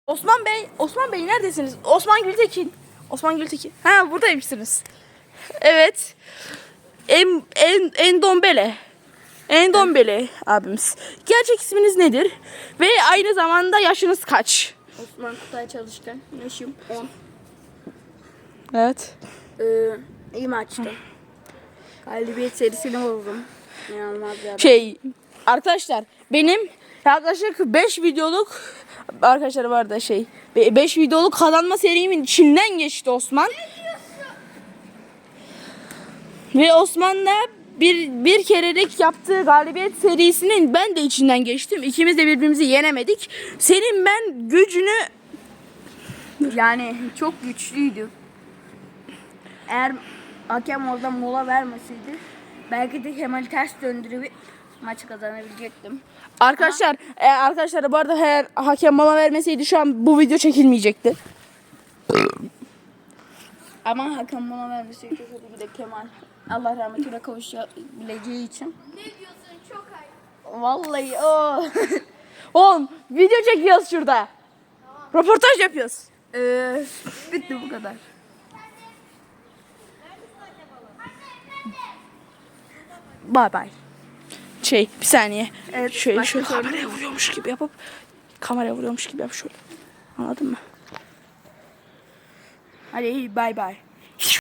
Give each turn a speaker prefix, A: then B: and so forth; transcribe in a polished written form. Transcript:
A: Osman Bey neredesiniz? Osman Gültekin. Ha, buradaymışsınız. Evet. Endombele abimiz. Gerçek isminiz nedir? Ve aynı zamanda yaşınız kaç?
B: Osman Kutay Çalışkan. Yaşım 10.
A: Evet.
B: İyi maçtı. Galibiyet serisini bozdum. İnanılmaz bir adam.
A: Arkadaşlar benim yaklaşık 5 videoluk arkadaşlar var da 5 videoluk kazanma serimin içinden geçti Osman. Ve Osman'la bir kerelik yaptığı galibiyet serisinin ben de içinden geçtim. İkimiz de birbirimizi yenemedik. Senin ben gücünü
B: Yani çok güçlüydü. Eğer hakem orada mola vermeseydi belki de Kemal ters döndürüp maçı kazanabilecektim.
A: arkadaşlar bu arada eğer hakem mola vermeseydi şu an bu video çekilmeyecekti.
B: Ama hakem mola vermeseydi tabii ki de Kemal Allah rahmetine kavuşabileceği için.
C: Ne diyorsun, çok ayıp.
B: Vallahi o.
A: Oğlum video çekiyoruz şurada. Röportaj yapıyoruz.
B: Bitti bu kadar.
A: Bye bye. Bir saniye.
B: Evet,
A: Şöyle
B: başka
A: kameraya vuruyormuş gibi yapıp şöyle. Anladın mı?
B: Hadi bye bye.